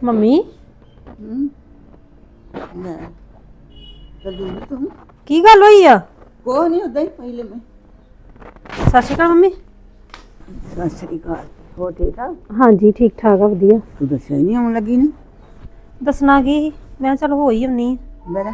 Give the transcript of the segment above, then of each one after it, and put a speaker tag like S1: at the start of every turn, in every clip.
S1: Mummy
S2: ਲੈ ਦਲਜੀਤ ਤੂੰ
S1: ਕੀ ਗੱਲ ਹੋਈ ਆ?
S2: ਕੋਈ ਨਹੀਂ ਉਦਾਂ ਹੀ ਪਹਿਲੇ ਮੈਂ
S1: ਸਤਿ ਸ਼੍ਰੀ ਅਕਾਲ ਮੰਮੀ।
S2: ਸਤਿ ਸ੍ਰੀ ਅਕਾਲ। ਹੋ ਠੀਕ ਠਾਕ?
S1: ਹਾਂਜੀ ਠੀਕ ਠਾਕ ਆ ਵਧੀਆ।
S2: ਤੂੰ ਦੱਸਿਆ ਹੀ ਨਹੀਂ ਆਉਣ ਲੱਗੀ ਨਾ।
S1: ਦੱਸਣਾ ਕੀ ਸੀ? ਮੈਂ ਚਲ ਹੋ ਹੀ ਹੁੰਨੀ
S2: ਮੇਰਾ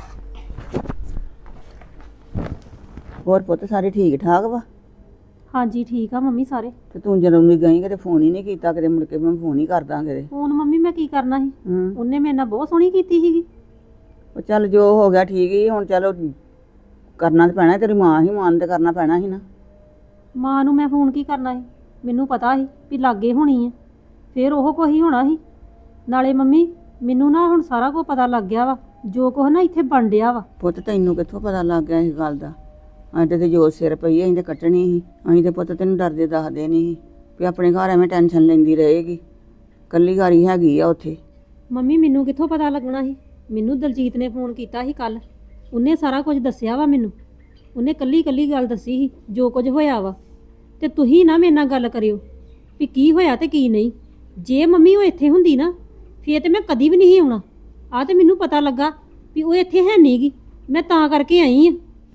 S2: ਹੋਰ ਪੁੱਤ ਸਾਰੇ ਠੀਕ ਠਾਕ ਵਾ?
S1: ਹਾਂਜੀ ਠੀਕ ਆ ਮੰਮੀ ਸਾਰੇ।
S2: ਤੇ ਤੂੰ ਜਦੋਂ ਵੀ ਗਈ ਕਿਤੇ ਫੋਨ ਹੀ ਨਹੀਂ ਕੀਤਾ, ਕਿਤੇ ਮੁੜ ਕੇ ਮੈਂ ਫੋਨ ਹੀ ਕਰਦਾ ਕਿਤੇ।
S1: ਫੋਨ ਮੰਮੀ ਮੈਂ ਕੀ ਕਰਨਾ ਸੀ? ਉਹਨੇ ਮੇਰੇ ਨਾਲ ਬਹੁਤ ਸੋਹਣੀ ਕੀਤੀ ਸੀਗੀ।
S2: ਉਹ ਚੱਲ ਜੋ ਹੋ ਗਿਆ ਠੀਕ ਹੀ, ਹੁਣ ਚਲੋ ਕਰਨਾ ਤੇ ਪੈਣਾ। ਤੇਰੀ ਮਾਂ ਹੀ, ਮਾਂ ਨੂੰ ਤੇ ਕਰਨਾ ਪੈਣਾ ਸੀ ਨਾ।
S1: ਮਾਂ ਨੂੰ ਮੈਂ ਫੋਨ ਕੀ ਕਰਨਾ ਸੀ? ਮੈਨੂੰ ਪਤਾ ਸੀ ਵੀ ਲਾਗੇ ਹੋਣੀ ਆ, ਫਿਰ ਉਹ ਕੁਛ ਹੀ ਹੋਣਾ ਸੀ। ਨਾਲੇ ਮੰਮੀ ਮੈਨੂੰ ਨਾ ਹੁਣ ਸਾਰਾ ਕੁਝ ਪਤਾ ਲੱਗ ਗਿਆ ਵਾ, ਜੋ ਕੁਛ ਨਾ ਇੱਥੇ ਬਣ ਡਿਆ ਵਾ।
S2: ਪੁੱਤ ਤੈਨੂੰ ਕਿੱਥੋਂ ਪਤਾ ਲੱਗ ਗਿਆ ਇਸ ਗੱਲ ਦਾ? ਅਸੀਂ ਤੇ ਜੋ ਸਿਰ ਪਈ ਅਸੀਂ ਤੇ ਕੱਟਣੀ ਸੀ। ਅਸੀਂ ਤੇ ਪੁੱਤ ਤੈਨੂੰ ਡਰਦੇ ਦੱਸਦੇ ਨਹੀਂ ਸੀ ਵੀ ਆਪਣੇ ਘਰ ਐਵੇਂ ਟੈਨਸ਼ਨ ਲੈਂਦੀ ਰਹੇਗੀ। ਕੱਲੀ ਘਾਰੀ ਹੈਗੀ ਆ ਉੱਥੇ।
S1: ਮੰਮੀ ਮੈਨੂੰ ਕਿੱਥੋਂ ਪਤਾ ਲੱਗਣਾ ਸੀ? ਮੈਨੂੰ ਦਲਜੀਤ ਨੇ ਫੋਨ ਕੀਤਾ ਸੀ ਕੱਲ, ਉਹਨੇ ਸਾਰਾ ਕੁਝ ਦੱਸਿਆ ਵਾ ਮੈਨੂੰ। ਉਹਨੇ ਕੱਲੀ ਗੱਲ ਦੱਸੀ ਸੀ ਜੋ ਕੁਝ ਹੋਇਆ ਵਾ। ਤੇ ਤੁਸੀਂ ਨਾ ਮੇਰੇ ਨਾਲ ਗੱਲ ਕਰਿਓ ਵੀ ਕੀ ਹੋਇਆ ਤੇ ਕੀ ਨਹੀਂ। ਜੇ ਮੰਮੀ ਉਹ ਇੱਥੇ ਹੁੰਦੀ ਨਾ ਫੇਰ ਤੇ ਮੈਂ ਕਦੀ ਵੀ ਨਹੀਂ ਆਉਣਾ। ਆ ਤੇ ਮੈਨੂੰ ਪਤਾ ਲੱਗਾ ਵੀ ਉਹ ਇੱਥੇ ਹੈ ਨਹੀਂ ਗੀ, ਮੈਂ ਤਾਂ ਕਰਕੇ ਆਈ ਆ।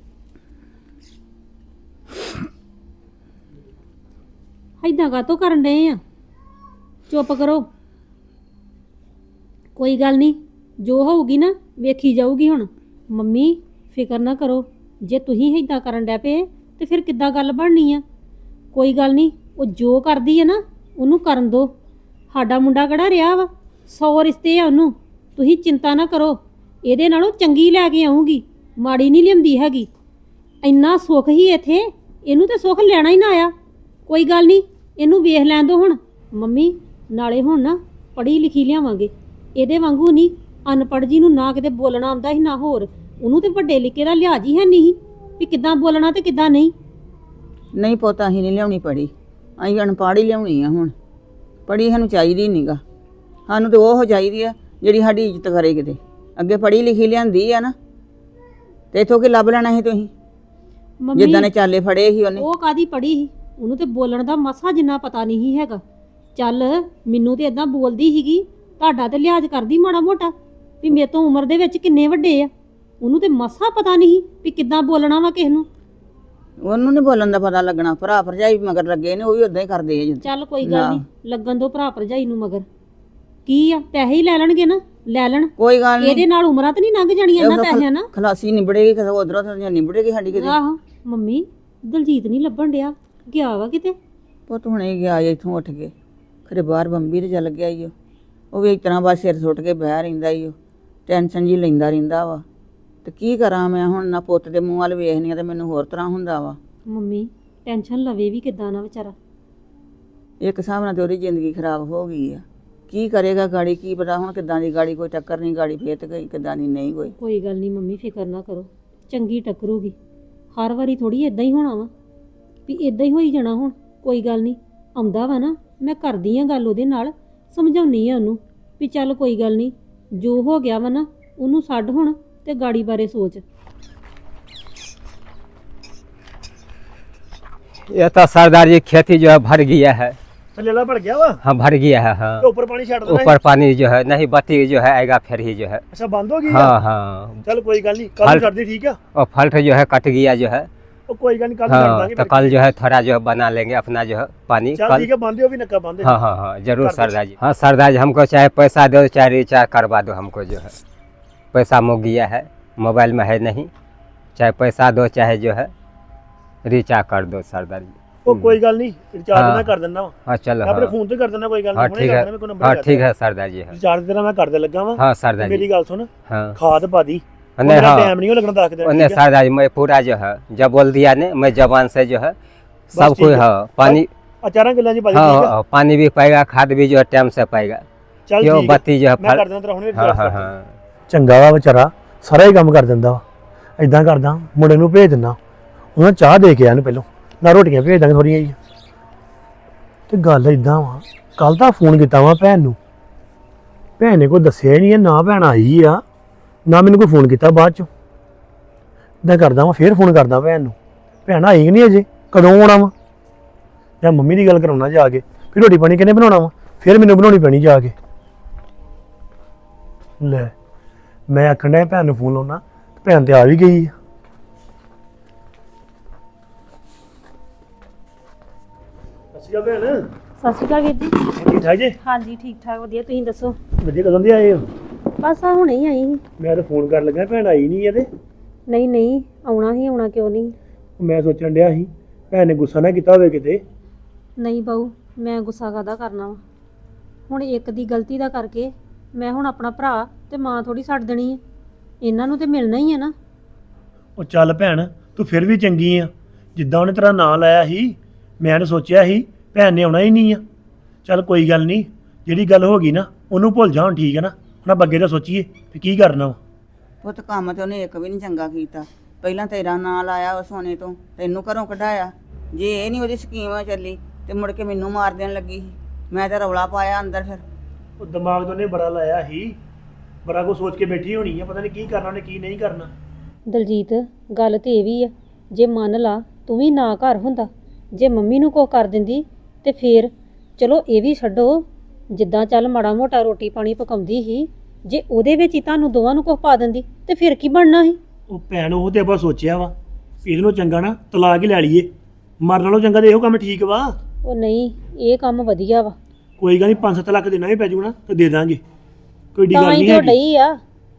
S1: ਏਦਾਂ ਕਾਹਤੋਂ ਕਰਨ ਡਏ ਆ? ਚੁੱਪ ਕਰੋ, ਕੋਈ ਗੱਲ ਨਹੀਂ, ਜੋ ਹੋਊਗੀ ਨਾ ਵੇਖੀ ਜਾਊਗੀ। ਹੁਣ ਮੰਮੀ ਫਿਕਰ ਨਾ ਕਰੋ, ਜੇ ਤੁਸੀਂ ਏਦਾਂ ਕਰਨ ਡੈ ਪਏ ਤੇ ਫਿਰ ਕਿੱਦਾਂ ਗੱਲ ਬਣਨੀ ਆ? ਕੋਈ ਗੱਲ ਨਹੀਂ, ਉਹ ਜੋ ਕਰਦੀ ਹੈ ਨਾ ਉਹਨੂੰ ਕਰਨ ਦਿਓ। ਸਾਡਾ ਮੁੰਡਾ ਕਿਹੜਾ ਰਿਹਾ ਵਾ, 100 ਰਿਸ਼ਤੇ ਆ ਉਹਨੂੰ। ਤੁਸੀਂ ਚਿੰਤਾ ਨਾ ਕਰੋ, ਇਹਦੇ ਨਾਲੋਂ ਚੰਗੀ ਲੈ ਕੇ ਆਉਂਗੀ, ਮਾੜੀ ਨਹੀਂ ਲਿਆਉਂਦੀ ਹੈਗੀ। ਇੰਨਾ ਸੁੱਖ ਹੀ ਇੱਥੇ, ਇਹਨੂੰ ਤੇ ਸੁੱਖ ਲੈਣਾ ਹੀ ਨਾ ਆਇਆ। ਕੋਈ ਗੱਲ ਨਹੀਂ, ਇਹਨੂੰ ਵੇਖ ਲੈਣ ਦਿਓ ਹੁਣ। ਮੰਮੀ ਨਾਲੇ ਹੁਣ ਨਾ ਪੜ੍ਹੀ ਲਿਖੀ ਲਿਆਵਾਂਗੇ, ਇਹਦੇ ਵਾਂਗੂ ਨਹੀਂ ਅਨਪੜ੍ਹ ਜੀ ਨੂੰ ਨਾ ਕਿਤੇ ਬੋਲਣਾ ਆਉਂਦਾ ਸੀ ਨਾ ਹੋਰ। ਉਹਨੂੰ ਤੇ ਵੱਡੇ ਲਿਖੇ ਦਾ ਲਿਹਾਜ਼ ਹੀ ਹੈ ਨਹੀਂ ਸੀ ਵੀ ਕਿੱਦਾਂ ਬੋਲਣਾ ਤੇ ਕਿੱਦਾਂ ਨਹੀਂ।
S2: ਨਹੀਂ ਪੁੱਤ ਅਸੀਂ ਨਹੀਂ ਲਿਆਉਣੀ ਪੜ੍ਹੀ, ਅਸੀਂ ਅਨਪੜ੍ਹ ਹੀ ਲਿਆਉਣੀ ਆ। ਹੁਣ ਪੜ੍ਹੀ ਸਾਨੂੰ ਚਾਹੀਦੀ ਨਹੀਂਗਾ, ਸਾਨੂੰ ਤਾਂ ਉਹ ਚਾਹੀਦੀ ਆ ਜਿਹੜੀ ਸਾਡੀ ਇੱਜ਼ਤ ਕਰੇ। ਕਿਤੇ ਅੱਗੇ ਪੜ੍ਹੀ ਲਿਖੀ ਲਿਆਂਦੀ ਆ ਨਾ, ਤੇ ਇੱਥੋਂ ਕੀ ਲੱਭ ਲੈਣਾ ਸੀ ਤੁਸੀਂ? ਜਿੱਦਾਂ ਨੇ ਚਾਲੇ ਫੜੇ ਸੀ ਉਹਨੇ।
S1: ਉਹ ਕਾਦੀ ਪੜ੍ਹੀ ਸੀ? ਉਹਨੂੰ ਤੇ ਬੋਲਣ ਦਾ ਮਸਾ ਜਿੰਨਾ ਪਤਾ ਨਹੀਂ ਸੀ ਹੈਗਾ। ਚੱਲ ਮੈਨੂੰ ਤੇ ਇਦਾਂ ਬੋਲਦੀ ਸੀਗੀ, ਤੁਹਾਡਾ ਤੇ ਲਿਹਾਜ਼ ਕਰਦੀ ਮਾੜਾ ਮੋਟਾ ਵੀ ਮੇਰੇ ਤੋਂ ਉਮਰ ਦੇ ਵਿੱਚ ਕਿੰਨੇ ਵੱਡੇ ਆ। ਉਹਨੂੰ ਤੇ ਮਸਾ ਪਤਾ ਨਹੀਂ ਵੀ ਕਿੱਦਾਂ ਬੋਲਣਾ ਵਾ ਕਿਸੇ ਨੂੰ।
S2: ਉਹਨੂੰ ਨਹੀਂ ਬੋਲਣ ਦਾ ਪਤਾ ਲੱਗਣਾ। ਭਰਾ ਭਰਜਾਈ ਮਗਰ ਲੱਗੇ ਨੇ, ਉਹ ਵੀ ਉਦਾਂ ਹੀ ਕਰਦੇ ਆ।
S1: ਚੱਲ ਕੋਈ ਗੱਲ ਨਹੀਂ, ਲੱਗਣ ਦੋ ਭਰਾ ਭਰਜਾਈ ਨੂੰ ਮਗਰ। ਕੀ ਆ, ਪੈਸੇ ਹੀ ਲੈ ਲੈਣਗੇ ਨਾ, ਲੈ ਲੈਣ।
S2: ਕੋਈ ਗੱਲ ਨਹੀਂ,
S1: ਇਹਦੇ ਨਾਲ ਉਮਰਾਂ ਤੇ ਨਹੀਂ ਲੰਘ ਜਾਣੀਆਂ ਇਹਨਾਂ ਪੈਸਿਆਂ ਨਾਲ।
S2: ਖਲਾਸੀ ਨਿਬੜੇਗੀ ਕਿਤੇ ਉਧਰੋਂ ਤਾਂ ਨਿਬੜੇਗੀ ਸਾਡੀ ਕਿਤੇ।
S1: ਆਹੋ ਮੰਮੀ ਦਲਜੀਤ ਨਹੀਂ ਲੱਭਣ ਡਿਆ, ਗਿਆ ਵਾ ਕਿਤੇ।
S2: ਪੁੱਤ ਹੁਣੇ ਗਿਆ ਇੱਥੋਂ ਉੱਠ ਕੇ, ਖਰੇ ਬਾਹਰ ਬੰਬੀ ਤੇ ਚੱਲ ਗਿਆ ਈ। ਉਹ ਵੀ ਇਸ ਤਰ੍ਹਾਂ ਬਸ ਸਿਰ ਸੁੱਟ ਕੇ ਬਹਿ ਰਹਿੰਦਾ ਈ। ਉਹ ਟੈਨਸ਼ਨ ਜੀ ਲੈਂਦਾ ਰਹਿੰਦਾ ਵਾ। ਤੇ ਕੀ ਕਰਾਂ ਮੈਂ ਹੁਣ? ਨਾ ਪੁੱਤ ਦੇ ਮੂੰਹ ਵੱਲ ਵੇਖਨੀ ਆ ਤੇ ਮੈਨੂੰ ਹੋਰ ਤਰ੍ਹਾਂ ਹੁੰਦਾ ਵਾ।
S1: ਮੰਮੀ ਟੈਨਸ਼ਨ ਲਵੇ ਵੀ ਕਿੱਦਾਂ ਨਾ ਵਿਚਾਰਾ।
S2: ਇੱਕ ਹਿਸਾਬ ਨਾਲ ਤੇ ਉਹਦੀ ਜ਼ਿੰਦਗੀ ਖਰਾਬ ਹੋ ਗਈ ਆ। ਕੀ ਕਰੇਗਾ ਗਾੜੀ, ਕੀ ਪਤਾ ਹੁਣ ਕਿੱਦਾਂ ਦੀ ਗਾੜੀ। ਕੋਈ ਟੱਕਰ ਨਹੀਂ ਗਾੜੀ, ਫੇਰ ਤੇ ਗਈ ਕਿੱਦਾਂ ਦੀ ਨਹੀਂ ਕੋਈ।
S1: ਕੋਈ ਗੱਲ ਨਹੀਂ ਮੰਮੀ, ਫਿਕਰ ਨਾ ਕਰੋ, ਚੰਗੀ ਟੱਕਰੂਗੀ। ਹਰ ਵਾਰੀ ਥੋੜੀ ਇਦਾਂ ਹੀ ਹੋਣਾ ਵਾ ਵੀ ਇਦਾਂ ਹੀ ਹੋਈ ਜਾਣਾ। ਹੁਣ ਕੋਈ ਗੱਲ ਨਹੀਂ, ਆਉਂਦਾ ਵਾ ਨਾ, ਮੈਂ ਕਰਦੀ ਆ ਗੱਲ ਉਹਦੇ ਨਾਲ, ਸਮਝਾਉਣੀ ਆ ਉਹਨੂੰ ਵੀ ਚੱਲ ਕੋਈ ਗੱਲ ਨਹੀਂ, ਜੋ ਹੋ ਗਿਆ ਵਾ ਨਾ ਉਹਨੂੰ ਛੱਡ ਹੁਣ ਤੇ ਗਾੜੀ ਬਾਰੇ ਸੋਚ।
S3: ये तो सरदार जी खेती जो है भर गया है।
S4: लेला भर गया वा?
S3: हाँ भर गया है। हाँ
S4: तो ऊपर पानी छाड़ देना है?
S3: ऊपर पानी जो है नहीं, बत्ती जो है आएगा फिर ही जो है।
S4: अच्छा बंद हो गई?
S3: हाँ हाँ।
S4: चल कोई गल नहीं, कल छाड़ दी, ठीक है?
S3: और फल्ट जो है कट गया जो है।
S4: ओ कोई गल नहीं, कल छाड़
S3: हाँ
S4: देंगे।
S3: तो कल जो है थोड़ा जो है बना लेंगे अपना जो है पानी।
S4: चल
S3: कल
S4: ठीक है, बांधे हो भी नक्का बांधे।
S3: हाँ हाँ हाँ जरूर सरदार जी। हाँ सरदार जी, हमको चाहे पैसा दो चाहे रिचार्ज करवा दो। हमको जो है पैसा मुक गया है, मोबाइल में है नहीं। चाहे पैसा दो चाहे जो है रिचार्ज कर दो सरदार जी।
S4: ओ कोई गल नहीं, रिचार्ज मैं कर देना वा।
S3: हाँ चलो।
S4: अपने
S3: हाँ
S4: फोन तो कर देना, कोई गल
S3: हाँ
S4: नहीं।
S3: ठीक है। हाँ ठीक है सरदार जी।
S4: रिचार्ज तेरा मैं कर दे लगा वा।
S3: हाँ सरदार जी।
S4: मेरी गल सुन,
S3: हाँ
S4: खाद पा दी,
S3: नहीं
S4: मेरा
S3: हाँ
S4: टाइम नहीं हो लगना 10 दिन।
S3: नहीं सरदार जी, मैं पूरा जो है जब बोल दिया ने, मैं जबान से जो है सब
S4: ठीक
S3: कुछ।
S4: है।
S3: हाँ पानी,
S4: अचारा किला जी पा दी, ठीक है?
S3: हाँ पानी भी पाएगा, खाद भी जो है टाइम से पाएगा।
S4: चल
S3: क्यों
S4: ठीक है,
S3: बत्ती जो है
S4: मैं कर देना तेरा हुणे
S3: हाँ हाँ
S4: रिचार्ज।
S3: हाँ
S4: ਚੰਗਾ ਵਾ ਵਿਚਾਰਾ, ਸਾਰਾ ਹੀ ਕੰਮ ਕਰ ਦਿੰਦਾ ਵਾ। ਇਦਾਂ ਕਰਦਾ, ਮੁੰਡੇ ਨੂੰ ਭੇਜ ਦਿੰਦਾ, ਉਹਨਾਂ ਚਾਹ ਦੇ ਕੇ ਆਣ ਪਹਿਲੋਂ, ਨਾ ਰੋਟੀਆਂ ਭੇਜ ਦਾਂਗੇ ਥੋੜੀਆਂ ਜੀ। ਤੇ ਗੱਲ ਇਦਾਂ ਵਾ, ਕੱਲ ਦਾ ਫੋਨ ਕੀਤਾ ਵਾ ਭੈਣ ਨੂੰ, ਭੈਣ ਨੇ ਕੋਈ ਦੱਸਿਆ ਹੀ ਨਹੀਂ, ਨਾ ਭੈਣ ਆਈ ਆ ਨਾ ਮੈਨੂੰ ਕੋਈ ਫੋਨ ਕੀਤਾ ਬਾਅਦ ਚੋਂ। ਇਦਾਂ ਕਰਦਾ ਵਾ, ਫੇਰ ਫੋਨ ਕਰਦਾ ਭੈਣ ਨੂੰ, ਭੈਣ ਆਈ ਕਿ ਨਹੀਂ ਅਜੇ, ਕਦੋਂ ਆਉਣਾ ਵਾ? ਜਾਂ ਮੰਮੀ ਦੀ ਗੱਲ ਕਰਾਉਣਾ ਜਾ ਕੇ, ਫਿਰ ਰੋਟੀ ਪਾਣੀ ਕਿਹਨੇ ਬਣਾਉਣਾ ਵਾ? ਫਿਰ ਮੈਨੂੰ ਬਣਾਉਣੀ ਪੈਣੀ ਜਾ ਕੇ। ਲੈ ਮੈਂ ਆਖਣ ਡਿਆ ਭੈਣ ਨੂੰ ਫੋਨ ਲਾਉਣਾ ਤੇ ਭੈਣ ਤੇ ਆ ਵੀ ਗਈ ਆ। ਸਤਿ ਸ਼੍ਰੀ ਅਕਾਲ ਭੈਣ।
S1: ਸਤਿ ਸ਼੍ਰੀ ਅਕਾਲ ਵੀਰ ਜੀ।
S4: ਠੀਕ ਠਾਕ ਜੀ?
S1: ਹਾਂਜੀ ਠੀਕ ਠਾਕ ਵਧੀਆ, ਤੁਸੀਂ ਦੱਸੋ?
S4: ਵਧੀਆ, ਕਦੋਂ ਦੇ ਆਏ ਹੋ?
S1: ਬਸ ਆ ਹੁਣੇ ਹੀ ਆਈ ਸੀ।
S4: ਮੈਂ ਤਾਂ ਫੋਨ ਕਰਨ ਲੱਗਾ ਭੈਣ ਆਈ ਨਹੀਂ ਇਹਦੇ।
S1: ਨਹੀਂ ਨਹੀਂ, ਆਉਣਾ ਹੀ ਆਉਣਾ, ਕਿਉਂ ਨਹੀਂ?
S4: ਮੈਂ ਸੋਚਣ ਡਿਆ ਸੀ ਭੈਣ ਨੇ ਗੁੱਸਾ ਨਾ ਕੀਤਾ ਹੋਵੇ ਕਿਤੇ।
S1: ਨਹੀਂ ਬਾਊ, ਮੈਂ ਗੁੱਸਾ ਕਾਹਦਾ ਕਰਨਾ ਵਾ। ਹੁਣ ਇੱਕ ਦੀ ਗਲਤੀ ਦਾ ਕਰਕੇ ਮੈਂ ਹੁਣ ਆਪਣਾ ਭਰਾ ਤੇ ਮਾਂ ਥੋੜੀ ਛੱਡ ਦੇਣੀ ਹੈ। ਇਹਨਾਂ ਨੂੰ ਤੇ ਮਿਲਣਾ ਹੀ ਹੈ ਨਾ।
S4: ਉਹ ਚੱਲ ਭੈਣ, ਤੂੰ ਫਿਰ ਵੀ ਚੰਗੀ ਆ। ਜਿੱਦਾਂ ਉਹਨੇ ਤੇਰਾ ਨਾਂ ਲਾਇਆ ਸੀ ਮੈਂ ਤਾਂ ਸੋਚਿਆ ਸੀ ਭੈਣ ਨੇ ਆਉਣਾ ਹੀ ਨਹੀਂ ਆ। ਚੱਲ ਕੋਈ ਗੱਲ ਨਹੀਂ, ਜਿਹੜੀ ਗੱਲ ਹੋ ਗਈ ਨਾ ਉਹਨੂੰ ਭੁੱਲ ਜਾ ਹੁਣ, ਠੀਕ ਹੈ ਨਾ? ਹੁਣ ਆਪਾਂ ਅੱਗੇ ਦਾ ਸੋਚੀਏ ਵੀ ਕੀ ਕਰਨਾ ਵਾ।
S2: ਪੁੱਤ ਕੰਮ ਤੇ ਉਹਨੇ ਇੱਕ ਵੀ ਨਹੀਂ ਚੰਗਾ ਕੀਤਾ। ਪਹਿਲਾਂ ਤੇਰਾ ਨਾਂ ਲਾਇਆ ਉਹ ਸੋਨੇ ਤੋਂ, ਤੈਨੂੰ ਘਰੋਂ ਕਢਾਇਆ। ਜੇ ਇਹ ਨਹੀਂ ਉਹਦੀ ਸਕੀਮ ਚੱਲੀ ਤੇ ਮੁੜ ਕੇ ਮੈਨੂੰ ਮਾਰ ਦੇਣ ਲੱਗੀ ਸੀ। ਮੈਂ ਤਾਂ ਰੌਲਾ ਪਾਇਆ ਅੰਦਰ ਫਿਰ।
S4: ਉਹ ਦਿਮਾਗ ਤੋਂ ਉਹਨੇ ਬੜਾ ਲਾਇਆ ਸੀ, ਬੜਾ ਕੁਝ ਸੋਚ ਕੇ ਬੈਠੀ ਹੋਣੀ ਆ, ਪਤਾ ਨਹੀਂ ਕੀ ਕਰਨਾ ਉਹਨੇ ਕੀ ਨਹੀਂ ਕਰਨਾ।
S1: ਦਲਜੀਤ, ਗੱਲ ਤੇ ਇਹ ਵੀ ਆ, ਜੇ ਮੰਨ ਲਾ ਤੂੰ ਵੀ ਨਾ ਘਰ ਹੁੰਦਾ, ਜੇ ਮੰਮੀ ਨੂੰ ਕੁਛ ਕਰ ਦਿੰਦੀ ਤੇ ਫੇਰ ਚਲੋ ਇਹ ਵੀ ਛੱਡੋ, ਜਿੱਦਾਂ ਚੱਲ ਮਾੜਾ ਮੋਟਾ ਰੋਟੀ ਪਾਣੀ ਪਕਾਉਂਦੀ ਸੀ, ਜੇ ਉਹਦੇ ਵਿੱਚ ਹੀ ਤੁਹਾਨੂੰ ਦੋਵਾਂ ਨੂੰ ਕੁਛ ਪਾ ਦਿੰਦੀ ਤੇ ਫਿਰ ਕੀ ਬਣਨਾ ਸੀ?
S4: ਉਹ ਭੈਣ, ਉਹ ਤੇ ਆਪਾਂ ਸੋਚਿਆ ਵਾ ਵੀ ਇਹਦੇ ਨਾਲੋਂ ਚੰਗਾ ਨਾ ਤਲਾਕ ਹੀ ਲੈ ਲਈਏ, ਮਰਨ ਨਾਲੋਂ ਚੰਗਾ ਤੇ ਇਹੋ ਕੰਮ ਠੀਕ ਵਾ।
S1: ਉਹ ਨਹੀਂ, ਇਹ ਕੰਮ ਵਧੀਆ ਵਾ।
S4: ਕੋਈ ਗੱਲ ਨਹੀਂ, 5-7 ਲੱਖ ਦੇਣਾ ਵੀ ਪੈ ਜੂਗਾ ਨਾ ਤੇ ਦੇ ਦਾਂਗੇ, ਕੋਈ ਡੀ
S1: ਤਾਂ
S4: ਗੱਲ
S1: ਹੀ
S4: ਨਹੀਂ
S1: ਤੇ ਉਹ
S4: ਹੈਗੀ।
S1: ਡਈ ਆ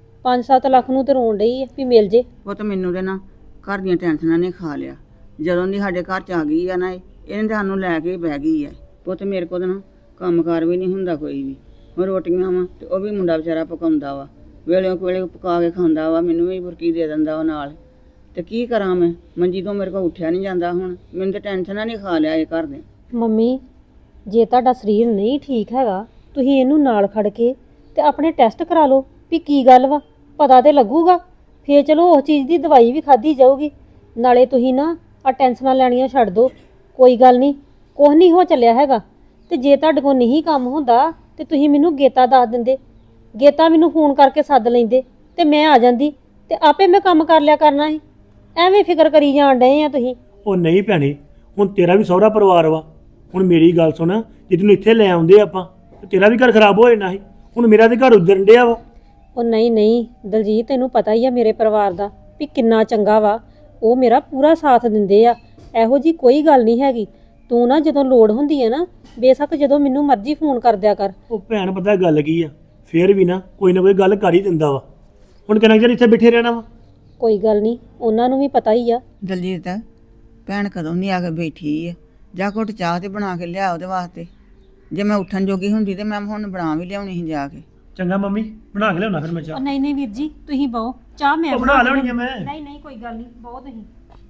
S1: 5-7 ਲੱਖ ਨੂੰ ਤੇ ਰੋਣ ਡਈ ਆ ਵੀ ਮਿਲ ਜੇ।
S2: ਉਹ ਤਾਂ ਮੈਨੂੰ ਤੇ ਨਾ ਘਰ ਦੀਆਂ ਟੈਨਸ਼ਨਾਂ ਨੇ ਖਾ ਲਿਆ। ਜਦੋਂ ਦੀ ਸਾਡੇ ਘਰ ਚ ਆ ਗਈ ਆ ਨਾ ਇਹਨੇ ਤਾਂ ਸਾਨੂੰ ਲੈ ਕੇ ਬਹਿ ਗਈ ਆ। ਪੁੱਤ ਮੇਰੇ ਕੋਲ ਨਾ ਕੰਮਕਾਰ ਵੀ ਨਹੀਂ ਹੁੰਦਾ ਕੋਈ ਵੀ। ਹੁਣ ਰੋਟੀਆਂ ਵਾ ਤੇ ਉਹ ਵੀ ਮੁੰਡਾ ਵਿਚਾਰਾ ਪਕਾਉਂਦਾ ਵਾ, ਵੇਲੇ ਵੇਲੇ ਪਕਾ ਕੇ ਖਾਂਦਾ ਵਾ, ਮੈਨੂੰ ਵੀ ਬੁਰਕੀ ਦੇ ਦਿੰਦਾ ਉਹ ਨਾਲ। ਤੇ ਕੀ ਕਰਾਂ ਮੈਂ, ਮੰਜੀ ਤੋਂ ਮੇਰੇ ਕੋਲ ਉੱਠਿਆ ਨਹੀਂ ਜਾਂਦਾ। ਹੁਣ ਮੈਨੂੰ ਤਾਂ ਟੈਨਸ਼ਨਾਂ ਨਹੀਂ ਖਾ ਲਿਆ ਇਹ ਘਰ ਦੇ।
S1: ਮੰਮੀ, ਜੇ ਤੁਹਾਡਾ ਸਰੀਰ ਨਹੀਂ ਠੀਕ ਹੈਗਾ, ਤੁਸੀਂ ਇਹਨੂੰ ਨਾਲ ਖੜ ਕੇ ਤੇ ਆਪਣੇ ਟੈਸਟ ਕਰਾ ਲਓ ਵੀ ਕੀ ਗੱਲ ਵਾ, ਪਤਾ ਤੇ ਲੱਗੂਗਾ। ਫੇਰ ਚਲੋ ਉਸ ਚੀਜ਼ ਦੀ ਦਵਾਈ ਵੀ ਖਾਧੀ ਜਾਊਗੀ। ਨਾਲੇ ਤੁਸੀਂ ਨਾ ਆ ਟੈਨਸ਼ਨਾਂ ਲੈਣੀਆਂ ਛੱਡ ਦਿਓ। ਕੋਈ ਗੱਲ ਨਹੀਂ, ਕੁਛ ਨਹੀਂ ਹੋ ਚੱਲਿਆ ਹੈਗਾ। ਤੇ ਜੇ ਤੁਹਾਡੇ ਕੋਲ ਨਹੀਂ ਕੰਮ ਹੁੰਦਾ ਤੇ ਤੁਸੀਂ ਮੈਨੂੰ ਗੇਤਾ ਦੱਸ ਦਿੰਦੇ, ਗੇਤਾ ਮੈਨੂੰ ਫੋਨ ਕਰਕੇ ਸੱਦ ਲੈਂਦੇ ਤੇ ਮੈਂ ਆ ਜਾਂਦੀ ਤੇ ਆਪੇ ਮੈਂ ਕੰਮ ਕਰ ਲਿਆ ਕਰਨਾ ਸੀ। ਐਵੇਂ ਫਿਕਰ ਕਰੀ ਜਾਣ ਡਏ ਆ ਤੁਸੀਂ।
S4: ਉਹ ਨਹੀਂ ਭੈਣੇ, ਹੁਣ ਤੇਰਾ ਵੀ ਸਹੁਰਾ ਪਰਿਵਾਰ ਵਾ। ਹੁਣ ਮੇਰੀ ਗੱਲ ਸੁਣ, ਜੇ ਤੈਨੂੰ ਇੱਥੇ ਲੈ ਆਉਂਦੇ ਆਪਾਂ ਤੇ ਤੇਰਾ ਵੀ ਘਰ ਖਰਾਬ ਹੋ ਜਾਣਾ ਸੀ। ਹੁਣ ਮੇਰਾ ਤੇ ਘਰ ਉਜੜਨ ਡਿਆ ਵਾ।
S1: ਉਹ ਨਹੀਂ ਨਹੀਂ ਦਲਜੀਤ, ਤੈਨੂੰ ਪਤਾ ਹੀ ਆ ਮੇਰੇ ਪਰਿਵਾਰ ਦਾ ਵੀ ਕਿੰਨਾ ਚੰਗਾ ਵਾ। ਉਹ ਮੇਰਾ ਪੂਰਾ ਸਾਥ ਦਿੰਦੇ ਆ, ਇਹੋ ਜੀ ਕੋਈ ਗੱਲ ਨਹੀਂ ਹੈਗੀ। ਤੂੰ ਨਾ ਜਦੋਂ ਲੋੜ ਹੁੰਦੀ ਹੈ ਨਾ, ਬੇਸ਼ੱਕ ਜਦੋਂ ਮੈਨੂੰ ਮਰਜ਼ੀ ਫੋਨ ਕਰ ਦਿਆ ਕਰ।
S4: ਉਹ ਭੈਣ, ਪਤਾ ਗੱਲ ਕੀ ਆ, ਫੇਰ ਵੀ ਨਾ ਕੋਈ ਗੱਲ ਕਰ ਹੀ ਦਿੰਦਾ ਵਾ। ਹੁਣ ਕਿੰਨਾ ਚਿਰ ਇੱਥੇ ਬੈਠੇ ਰਹਿਣਾ ਵਾ?
S1: ਕੋਈ ਗੱਲ ਨਹੀਂ, ਉਹਨਾਂ ਨੂੰ ਵੀ ਪਤਾ ਹੀ ਆ।
S2: ਦਲਜੀਤ, ਭੈਣ ਕਦੋਂ ਨਹੀਂ ਆ ਕੇ ਬੈਠੀ ਆ। ਜਾ ਘੁੱਟ ਚਾਹ ਤੇ ਬਣਾ ਕੇ ਲਿਆ ਉਹਦੇ ਵਾਸਤੇ। ਜੇ ਮੈਂ ਉੱਠਣ ਜੋਗੀ ਹੁੰਦੀ ਤੇ ਮੈਂ ਹੁਣ ਬਣਾ ਵੀ ਲਿਆਉਣੀ ਸੀ ਜਾ ਕੇ।
S4: ਚੰਗਾ ਮੰਮੀ, ਬਣਾ ਕੇ ਲਿਆਉਣਾ ਫਿਰ ਮੈਂ ਚਾਹ।
S1: ਨਹੀਂ ਨਹੀਂ ਵੀਰ ਜੀ, ਤੁਸੀਂ ਬਹੁ ਚਾਹ ਮੈਂ
S4: ਉਹ ਬਣਾ ਲਿਆਉਣੀ ਆ ਮੈਂ।
S1: ਨਹੀਂ ਨਹੀਂ ਕੋਈ ਗੱਲ ਨਹੀਂ, ਬਹੁਤ ਤੁਸੀਂ।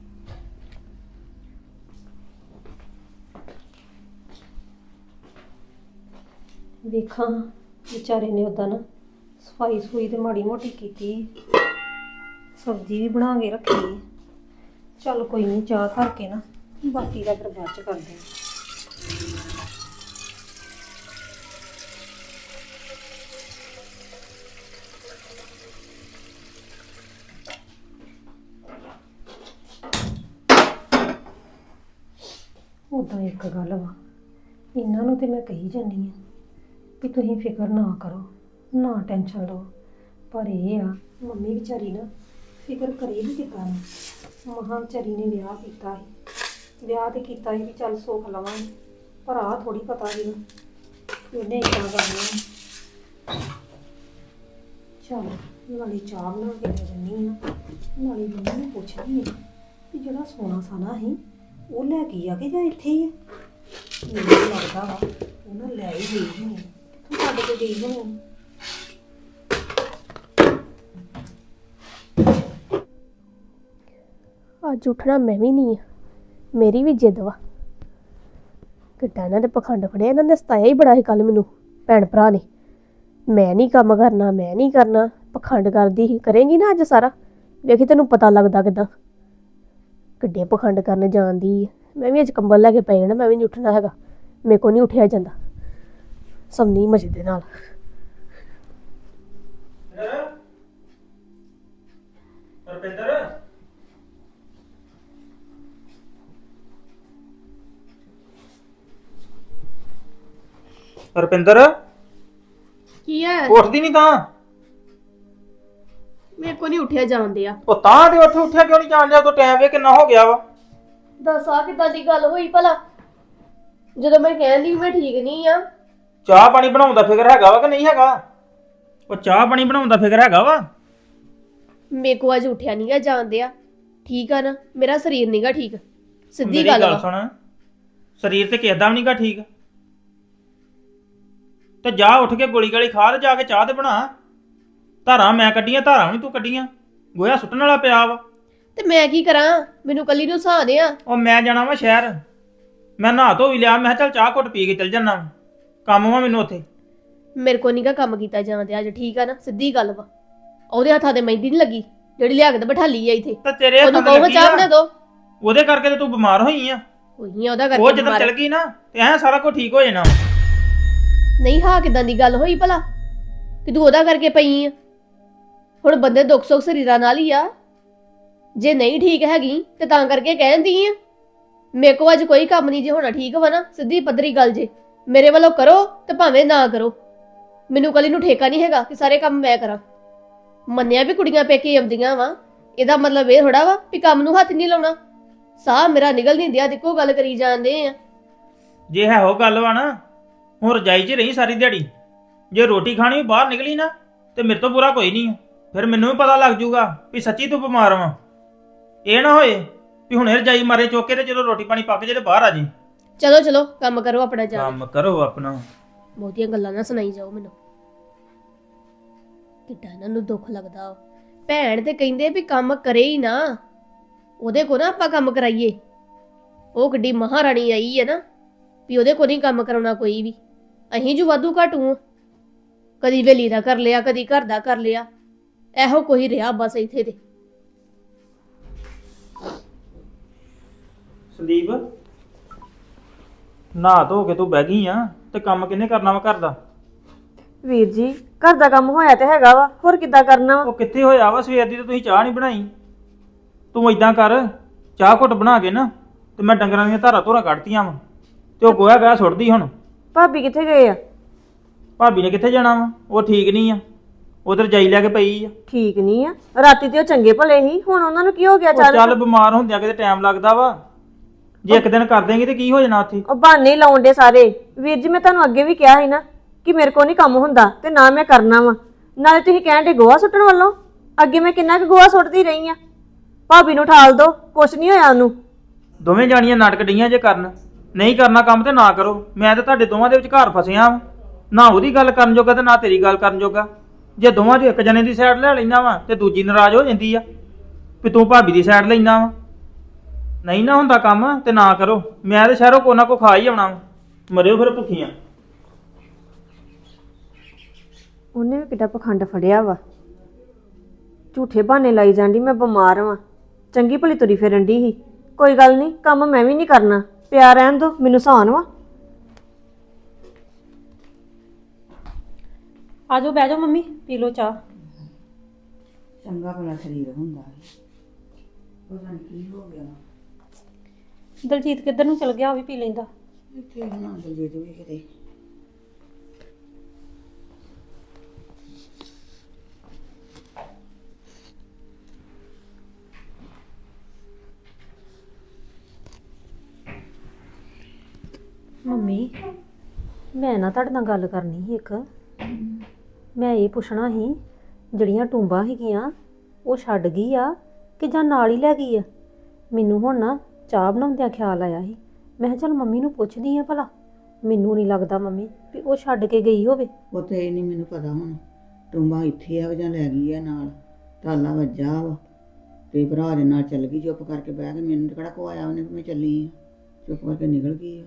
S1: ਵੇਖਾਂ ਵਿਚਾਰੇ ਨੇ ਉਦਾਂ ਨਾ ਸਫਾਈ ਸੂਈ ਤੇ ਮਾੜੀ ਮੋਟੀ ਕੀਤੀ, ਸਬਜ਼ੀ ਵੀ ਬਣਾ ਕੇ ਰੱਖੀ। ਚੱਲ ਕੋਈ ਨਹੀਂ, ਚਾਹ ਧਰ ਕੇ ਨਾ ਬਾਕੀ ਦਾ ਫਿਰ ਬਾਅਦ ਚ ਕਰਦੇ ਹਾਂ। ਉਦਾਂ ਇੱਕ ਗੱਲ ਵਾ, ਇਹਨਾਂ ਨੂੰ ਤੇ ਮੈਂ ਕਹੀ ਜਾਂਦੀ ਆ ਵੀ ਤੁਸੀਂ ਫਿਕਰ ਨਾ ਕਰੋ, ਨਾ ਟੈਨਸ਼ਨ ਲਓ, ਪਰ ਇਹ ਆ ਮੰਮੀ ਵਿਚਾਰੀ ਨਾ ਫਿਕਰ ਕਰੇ ਵੀ ਕਿੱਦਾਂ ਨਾ। ਮਹਾਂ ਵਿਚਾਰੀ ਨੇ ਵਿਆਹ ਕੀਤਾ ਸੀ, ਵਿਆਹ ਤੇ ਕੀਤਾ ਸੀ ਵੀ ਚੱਲ ਸੁੱਖ ਲਵਾਂਗੇ, ਪਰ ਆਹ ਥੋੜੀ ਪਤਾ ਸੀ ਉਹਨੇ ਇੱਦਾਂ ਕਰਨਾ। ਚੱਲ ਨਾਲੇ ਚਾਹ ਬਣਾ ਕੇ ਦੇ ਦਿੰਦੀ ਆ, ਨਾਲੇ ਮੰਮੀ ਨੂੰ ਪੁੱਛਦੀ ਆ ਵੀ ਜਿਹੜਾ ਸੋਨਾ ਸਾਨਾ ਸੀ ਉਹ ਲੈ ਕੇ ਆ ਕਿ ਜਾਂ ਇੱਥੇ ਹੀ ਆ। ਮੈਨੂੰ ਲੱਗਦਾ ਵਾ ਉਹਨਾਂ ਲੈ ਹੀ ਗਈ ਹੋਣੀ, ਕਿੱਥੋਂ ਸਾਡੇ ਕੋਲ ਗਈ ਹੋਣੀ।
S5: ਅੱਜ ਉੱਠਣਾ ਮੈਂ ਵੀ ਨਹੀਂ ਆ, ਮੇਰੀ ਵੀ ਜਿੱਦ ਵਾ। ਕਿੱਡਾ ਇਹਨਾਂ ਦੇ ਪਖੰਡ ਫੜਿਆ, ਇਹਨਾਂ ਨੇ ਸਤਾਇਆ ਹੀ ਬੜਾ ਸੀ ਕੱਲ ਮੈਨੂੰ ਭੈਣ ਭਰਾ ਨੇ। ਮੈਂ ਨਹੀਂ ਕੰਮ ਕਰਨਾ, ਮੈਂ ਨਹੀਂ ਕਰਨਾ, ਪਖੰਡ ਕਰਦੀ ਸੀ। ਕਰੇਂਗੀ ਨਾ ਅੱਜ ਸਾਰਾ, ਵੇਖੀ ਤੈਨੂੰ ਪਤਾ ਲੱਗਦਾ ਕਿੱਦਾਂ ਕਿੱਡੇ ਪਖੰਡ ਕਰਨ ਜਾਂਦੀ ਹੈ। ਮੈਂ ਵੀ ਅੱਜ ਕੰਬਲ ਲੈ ਕੇ ਪੈ ਜਾਣਾ, ਮੈਂ ਵੀ ਨਹੀਂ ਉੱਠਣਾ ਹੈਗਾ, ਮੇਰੇ ਕੋਲ ਨਹੀਂ ਉੱਠਿਆ ਜਾਂਦਾ। ਸਮਨੀ ਮਜੇ ਦੇ ਨਾਲ
S6: ਰੁਪਿੰਦਰ,
S5: ਕੀ ਹੈ?
S6: ਉੱਠਦੀ ਨਹੀਂ ਤਾਂ?
S5: ਮੇਰੇ ਕੋ ਨਹੀਂ ਉੱਠਿਆ ਜਾਂਦੇ ਆ।
S6: ਉਹ ਤਾਂ ਤੇ ਉੱਠਿਆ ਕਿਉਂ ਨਹੀਂ ਜਾਣ ਦਿਆ? ਤੂੰ ਟਾਈਮ ਵੇ ਕਿੰਨਾ ਹੋ ਗਿਆ ਵਾ।
S5: ਦੱਸ ਆ ਕਿੱਦਾਂ ਦੀ ਗੱਲ ਹੋਈ ਭਲਾ? ਜਦੋਂ ਮੈਂ ਕਹਿੰਦੀ ਮੈਂ ਠੀਕ ਨਹੀਂ ਆ।
S6: ਚਾਹ ਪਾਣੀ ਬਣਾਉਣ ਦਾ ਫਿਕਰ ਹੈਗਾ ਵਾ ਕਿ ਨਹੀਂ ਹੈਗਾ? ਉਹ ਚਾਹ ਪਾਣੀ ਬਣਾਉਣ ਦਾ ਫਿਕਰ ਹੈਗਾ ਵਾ।
S5: ਮੇਰੇ ਕੋ ਅੱਜ ਉੱਠਿਆ ਨਹੀਂਗਾ ਜਾਂਦੇ ਆ। ਠੀਕ ਆ ਨਾ, ਮੇਰਾ ਸਰੀਰ ਨਹੀਂਗਾ ਠੀਕ, ਸਿੱਧੀ
S6: ਮੇਰੀ
S5: ਗੱਲ
S6: ਗੱਲ
S5: ਵਾ।
S6: ਸੁਣ, ਸਰੀਰ ਤੇ ਕਿਸਦਾ ਵੀ ਨਹੀਂਗਾ ਠੀਕ। ਤੇ ਜਾ ਉੱਠ ਕੇ ਗੋਲੀ ਗਾਲੀ ਖਾ ਤੇ ਜਾ ਕੇ ਚਾਹ ਤੇ ਬਣਾ। ਧਾਰਾਂ ਮੈਂ ਕੱਢੀਆਂ, ਧਾਰਾਂ ਵੀ ਨੀ ਤੂੰ ਕੱਢੀਆਂ। ਗੋਇਆ ਸੁੱਟਣ ਵਾਲਾ ਪਿਆ ਵਾ।
S5: ਤੇ ਮੈਂ ਕੀ ਕਰਾਂ? ਮੈਨੂੰ ਕੱਲੀ ਨੂੰ ਸਹਾਦੇ ਆ।
S6: ਉਹ ਮੈਂ ਜਾਣਾ ਵਾ ਸ਼ਹਿਰ, ਮੈਂ ਨਹਾ ਧੋ ਵੀ ਲਿਆ। ਮੈਂ ਕਿਹਾ ਚੱਲ ਚਾਹ ਘੁੱਟ ਪੀ ਕੇ ਚੱਲ ਜਾਣਾ, ਕੰਮ ਵਾ ਮੈਨੂੰ ਉੱਥੇ।
S5: ਮੇਰੇ ਕੋ ਨਹੀਂਗਾ ਕੰਮ ਕੀਤਾ ਜਾਂਦੇ ਅੱਜ, ਠੀਕ ਆ ਨਾ, ਸਿੱਧੀ ਗੱਲ ਵਾ। ਉਹਦੇ ਹੱਥਾਂ ਤੇ ਮਹਿੰਦੀ ਨਹੀਂ ਲੱਗੀ ਜਿਹੜੀ ਲਿਆ ਕੇ ਤੇ ਬਿਠਾ ਲਈ ਆ ਇੱਥੇ।
S6: ਤੇ ਤੇਰੇ
S5: ਉਹਨੂੰ
S6: ਹੱਥਾਂ ਤੇ
S5: ਕਹੋ
S6: ਲੱਗੀ
S5: ਚਾਹ ਬਣਾ
S6: ਆ,
S5: ਦੋ।
S6: ਉਹਦੇ ਕਰਕੇ ਤੇ ਤੂੰ ਬਿਮਾਰ ਹੋਈ ਆ।
S5: ਉਹੀ ਆ ਉਹਦਾ
S6: ਉਹ
S5: ਕਰਕੇ
S6: ਜਦੋਂ
S5: ਬਿਮਾਰ
S6: ਚੱਲ
S5: ਆ।
S6: ਗਈ ਨਾ ਤੇ ਐ ਸਾਰਾ ਕੁਝ ਠੀਕ ਹੋ ਜਾਣਾ।
S5: ਨਹੀਂ ਹਾਂ ਕਿਦਾਂ ਦੀ ਗੱਲ ਹੋਈ ਭਲਾ ਕਿ ਤੂੰ ਉਹਦਾ ਕਰਕੇ ਪਈ ਆ? ਹੁਣ ਬੰਦੇ ਦੁੱਖ ਸੁੱਖ ਸਰੀਰਾਂ ਨਾਲ ਹੀ ਆ। ਜੇ ਨਹੀਂ ਠੀਕ ਹੈਗੀ ਤੇ ਤਾਂ ਕਰਕੇ ਕਹਿੰਦੀ ਆ। ਮੇਰੇ ਕੋ ਅੱਜ ਕੋਈ ਕੰਮ ਨਹੀਂ ਜੇ ਹੋਣਾ, ਠੀਕ ਵਾ ਨਾ, ਸਿੱਧੀ ਪੱਧਰੀ ਗੱਲ ਜੇ। ਮੇਰੇ ਵੱਲੋਂ ਕਰੋ ਤੇ ਭਾਵੇਂ ਨਾ ਕਰੋ, ਮੈਨੂੰ ਕੱਲੀ ਨੂੰ ਠੇਕਾ ਨਹੀਂ ਹੈਗਾ ਕਿ ਸਾਰੇ ਕੰਮ ਮੈਂ ਕਰਾਂ। ਮੰਨਿਆ ਵੀ ਕੁੜੀਆਂ ਪੇਕੇ ਆਉਂਦੀਆਂ ਵਾ, ਇਹਦਾ ਮਤਲਬ ਇਹ ਥੋੜਾ ਵਾ ਵੀ ਕੰਮ ਨੂੰ ਹੱਥ ਨਹੀਂ ਲਾਉਣਾ। ਸਾਹ ਮੇਰਾ ਨਿਕਲ ਨਹੀਂ ਦਿਆ, ਦੇਖੋ ਗੱਲ ਕਰੀ ਜਾਂਦੇ ਆ।
S6: ਜੇ ਹੈ ਉਹ ਗੱਲ ਵਾ ਨਾ, ਹੁਣ ਰਜਾਈ 'ਚ ਰਹੀ ਸਾਰੀ ਦਿਹਾੜੀ। ਜੇ ਰੋਟੀ ਖਾਣੀ ਵੀ ਬਾਹਰ ਨਿਕਲੀ ਨਾ ਤੇ ਮੇਰੇ ਤੋਂ ਬੁਰਾ ਕੋਈ ਨਹੀਂ। ਫਿਰ ਮੈਨੂੰ ਵੀ ਪਤਾ ਲੱਗ ਜੂਗਾ ਵੀ ਸੱਚੀ ਤੂੰ ਬਿਮਾਰ ਵਾਂ। ਇਹ ਨਾ ਹੋਏ ਵੀ ਹੁਣੇ ਰਜਾਈ ਮਾਰੇ ਚੁੱਕ ਕੇ ਤੇ ਜਦੋਂ ਰੋਟੀ ਪਾਣੀ ਪੱਕ ਜੇ ਤੇ ਬਾਹਰ ਆ ਜੇ।
S5: ਚਲੋ ਚਲੋ ਕੰਮ ਕਰੋ ਆਪਣਾ, ਜਾ
S6: ਕੰਮ ਕਰੋ ਆਪਣਾ।
S5: ਬਹੁਤੀਆਂ ਗੱਲਾਂ ਨਾ ਸੁਣਾਈ ਜਾਓ ਮੈਨੂੰ। ਕਿੱਡਾ ਇਹਨਾਂ ਨੂੰ ਦੁੱਖ ਲੱਗਦਾ। ਭੈਣ ਤੇ ਕਹਿੰਦੇ ਵੀ ਕੰਮ ਕਰੇ ਹੀ ਨਾ, ਉਹਦੇ ਕੋ ਨਾ ਆਪਾਂ ਕੰਮ ਕਰਾਈਏ। ਉਹ ਕਿੱਡੀ ਮਹਾਰਾਣੀ ਆਈ ਹੈ ਨਾ ਵੀ ਉਹਦੇ ਕੋ ਨਹੀਂ ਕੰਮ ਕਰਾਉਣਾ ਕੋਈ ਵੀ। ਅਹੀਂ ਜੋ ਵਾਧੂ ਘਾਟੂ ਆ, ਕਦੀ ਵੇਲੀ ਦਾ ਕਰ ਲਿਆ, ਕਦੀ ਘਰ ਦਾ ਕਰ ਲਿਆ, ਇਹੋ ਕੋਈ ਰਿਹਾ ਬਸ ਇੱਥੇ ਤੇ।
S6: ਸੰਦੀਪ, ਨਹਾ ਧੋ ਕੇ ਤੂੰ ਬਹਿ ਗਈ ਆ ਤੇ ਕੰਮ ਕਿਹਨੇ ਕਰਨਾ ਵਾ ਘਰ ਦਾ?
S7: ਵੀਰ ਜੀ ਘਰ ਦਾ ਕੰਮ ਹੋਇਆ ਤੇ ਹੈਗਾ ਵਾ, ਹੋਰ ਕਿੱਦਾਂ ਕਰਨਾ ਵਾ?
S6: ਉਹ ਕਿੱਥੇ ਹੋਇਆ ਵਾ? ਸਵੇਰ ਦੀ ਤੇ ਤੁਸੀਂ ਚਾਹ ਨਹੀਂ ਬਣਾਈ। ਤੂੰ ਇਦਾਂ ਕਰ, ਚਾਹ ਘੁੱਟ ਬਣਾ ਕੇ ਨਾ ਤੇ ਮੈਂ ਡੰਗਰਾਂ ਦੀਆਂ ਧਾਰਾਂ ਧੋਰਾਂ ਕੱਢਤੀਆਂ ਵਾ ਤੇ ਉਹ ਗੋਹਾ ਗਾਹ ਸੁੱਟਦੀ ਹੁਣ।
S7: ਭਾਬੀ ਕਿੱਥੇ ਗਏ ਆ?
S6: ਭਾਬੀ ਨੇ ਕਿੱਥੇ ਜਾਣਾ ਵਾ? ਉਹ ਠੀਕ ਨਹੀਂ ਆ, ਉਧਰ ਜਾਈ ਲੈ ਕੇ ਪਈ ਆ।
S7: ਠੀਕ ਨਹੀਂ ਆ, ਰਾਤੀ ਤੇ ਉਹ ਚੰਗੇ ਭਲੇ ਸੀ, ਹੁਣ ਉਹਨਾਂ ਨੂੰ ਕੀ ਹੋ ਗਿਆ?
S6: ਉਹ ਚੱਲ ਬਿਮਾਰ ਹੁੰਦਿਆਂ ਕਿਤੇ ਟਾਈਮ ਲੱਗਦਾ ਵਾ। ਜੇ ਇੱਕ ਦਿਨ ਕਰ ਦੇਂਗੀ ਤੇ ਕੀ ਹੋ ਜਾਣਾ ਉੱਥੇ?
S7: ਉਹ ਬਹਾਨੇ ਹੀ ਲਾਉਣ ਦੇ ਸਾਰੇ। ਵੀਰ ਜੀ ਮੈਂ ਤੁਹਾਨੂੰ ਅੱਗੇ ਵੀ ਕਿਹਾ ਸੀ ਨਾ ਕਿ ਮੇਰੇ ਕੋਲ ਨਹੀਂ ਕੰਮ ਹੁੰਦਾ ਤੇ ਨਾ ਮੈਂ ਕਰਨਾ ਵਾ। ਨਾਲੇ ਤੁਸੀਂ ਕਹਿਣ ਦੇ ਗੋਹਾ ਸੁੱਟਣ ਵੱਲੋਂ, ਅੱਗੇ ਮੈਂ ਕਿੰਨਾ ਕੁ ਗੋਹਾ ਸੁੱਟਦੀ ਰਹੀ ਆ। ਭਾਬੀ ਨੂੰ ਠਾਲ ਦੋ, ਕੁਛ ਨਹੀਂ ਹੋਇਆ ਉਹਨੂੰ।
S6: ਦੋਵੇਂ ਜਾਣੀਆਂ ਨਾਟਕ ਡਈਆਂ ਜੇ ਕਰਨ। ਨਹੀਂ ਕਰਨਾ ਕੰਮ ਤੇ ਨਾ ਕਰੋ। ਮੈਂ ਤੇ ਤੁਹਾਡੇ ਦੋਵਾਂ ਦੇ ਵਿੱਚ ਘਰ ਫਸਿਆ ਵਾਂ, ਨਾ ਉਹਦੀ ਗੱਲ ਕਰਨ ਜੋਗਾ ਤੇ ਨਾ ਤੇਰੀ ਗੱਲ ਕਰਨ ਜੋਗਾ। ਜੇ ਦੋਵਾਂ 'ਚੋਂ ਇੱਕ ਜਣੇ ਦੀ ਸਾਈਡ ਲੈ ਲੈਂਦਾ ਵਾ ਤੇ ਦੂਜੀ ਨਾਰਾਜ਼ ਹੋ ਜਾਂਦੀ ਆ ਵੀ ਤੂੰ ਭਾਬੀ ਦੀ ਸਾਈਡ ਲੈਂਦਾ ਵਾ। ਨਹੀਂ ਨਾ ਹੁੰਦਾ ਕੰਮ ਤੇ ਨਾ ਕਰੋ। ਮੈਂ ਤੇ ਸ਼ਹਿਰੋਂ ਕੋ ਨਾ ਕੋ ਖਾ ਹੀ ਆਉਣਾ ਵਾ, ਮਰਿਓ ਫਿਰ ਭੁੱਖੀਆਂ।
S7: ਉਹਨੇ ਵੀ ਕਿੱਡਾ ਪਖੰਡ ਫੜਿਆ ਵਾ, ਝੂਠੇ ਬਹਾਨੇ ਲਾਈ ਜਾਂਦੀ ਮੈਂ ਬਿਮਾਰ ਵਾਂ। ਚੰਗੀ ਭਲੀ ਤੁਰੀ ਫਿਰਨ ਦੀ ਸੀ। ਕੋਈ ਗੱਲ ਨਹੀਂ, ਕੰਮ ਮੈਂ ਵੀ ਨਹੀਂ ਕਰਨਾ, ਪਿਆ ਰਹਿਣ ਦੋ, ਮੈਨੂੰ ਸਹਾਨ ਵਾ।
S1: ਆ ਜਾਓ, ਬਹਿ ਜਾਓ ਮੰਮੀ, ਪੀ ਲਓ ਚਾਹ।
S2: ਚੰਗਾ ਭਲਾ ਸਰੀਰ ਹੁੰਦਾ ਹੈ, ਪਤਾ ਨਹੀਂ ਕੀ ਹੋ ਗਿਆ।
S1: ਦਲਜੀਤ ਕਿੱਧਰ ਨੂੰ ਚਲ ਗਿਆ? ਉਹ ਵੀ ਪੀ ਲੈਂਦਾ।
S2: ਇੱਥੇ ਨਾ ਦਲਜੀਤ ਵੀ ਕਿਤੇ।
S1: ਮੰਮੀ, ਮੈਂ ਨਾ ਤੁਹਾਡੇ ਨਾਲ ਗੱਲ ਕਰਨੀ ਸੀ ਇੱਕ। ਮੈਂ ਇਹ ਪੁੱਛਣਾ ਸੀ, ਜਿਹੜੀਆਂ ਟੂੰਬਾਂ ਹੈਗੀਆਂ ਉਹ ਛੱਡ ਗਈ ਆ ਕਿ ਜਾਂ ਨਾਲ ਹੀ ਲੈ ਗਈ ਆ? ਮੈਨੂੰ ਹੁਣ ਨਾ ਚਾਹ ਬਣਾਉਂਦਿਆਂ ਖਿਆਲ ਆਇਆ ਸੀ। ਮੈਂ ਕਿਹਾ ਚੱਲ ਮੰਮੀ ਨੂੰ ਪੁੱਛਦੀ ਆ ਭਲਾ। ਮੈਨੂੰ ਨਹੀਂ ਲੱਗਦਾ ਮੰਮੀ ਵੀ ਉਹ ਛੱਡ ਕੇ ਗਈ ਹੋਵੇ।
S2: ਉਹ ਤੇ ਇਹ ਨਹੀਂ ਮੈਨੂੰ ਪਤਾ ਹੁਣ ਟੁੰਬਾ ਇੱਥੇ ਆ ਜਾਂ ਲੈ ਗਈ ਆ ਨਾਲ। ਤਾਲਾ ਵੱਜਾ ਵਾ ਤੇ ਭਰਾ ਦੇ ਨਾਲ ਚੱਲ ਗਈ, ਚੁੱਪ ਕਰਕੇ ਬਹਿ ਕੇ। ਮੈਨੂੰ ਕਿਹੜਾ ਕੋ ਆਇਆ ਉਹਨੇ ਕਿ ਮੈਂ ਚੱਲੀ ਆ, ਚੁੱਪ ਕਰਕੇ ਨਿਕਲ ਗਈ ਆ।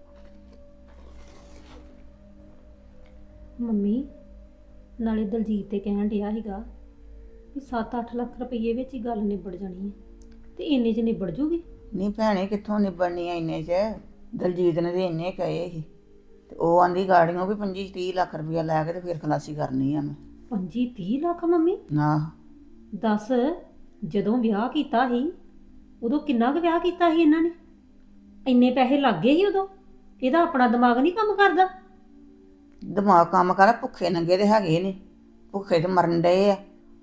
S1: ਮੰਮੀ ਨਾਲੇ ਦਲਜੀਤ ਤੇ ਕਹਿਣ ਡਿਆ ਸੀਗਾ ਵੀ 7-8 ਲੱਖ ਰੁਪਏ ਵਿੱਚ ਹੀ ਗੱਲ ਨਿਬੜ ਜਾਣੀ ਹੈ, ਤੇ ਇੰਨੇ 'ਚ ਨਿਬੜ ਜੂਗੀ?
S2: ਨਹੀਂ ਭੈਣੇ, ਕਿੱਥੋਂ ਨਿਬੜਨੀ ਆ ਇੰਨੇ 'ਚ? ਦਲਜੀਤ ਨੇ ਤੇ ਇੰਨੇ ਕਹੇ ਸੀ ਤੇ ਉਹ ਆਂਦੀ ਗਾੜੀਆਂ ਵੀ 25-30 ਲੱਖ ਰੁਪਇਆ ਲੈ ਕੇ ਤੇ ਫਿਰ ਖਲਾਸੀ ਕਰਨੀ ਆ ਮੈਂ।
S1: 25-30 ਲੱਖ ਮੰਮੀ?
S2: ਨਾ
S1: ਦੱਸ, ਜਦੋਂ ਵਿਆਹ ਕੀਤਾ ਸੀ ਉਦੋਂ ਕਿੰਨਾ ਕੁ ਵਿਆਹ ਕੀਤਾ ਸੀ ਇਹਨਾਂ ਨੇ? ਇੰਨੇ ਪੈਸੇ ਲੱਗ ਗਏ ਸੀ ਉਦੋਂ? ਇਹਦਾ ਆਪਣਾ ਦਿਮਾਗ ਨਹੀਂ ਕੰਮ ਕਰਦਾ?
S2: ਦਿਮਾਗ ਕੰਮ ਕਰ, ਭੁੱਖੇ ਨੰਗੇ ਤੇ ਹੈਗੇ ਨੇ, ਭੁੱਖੇ ਤੇ ਮਰਨ ਡਏ ਆ।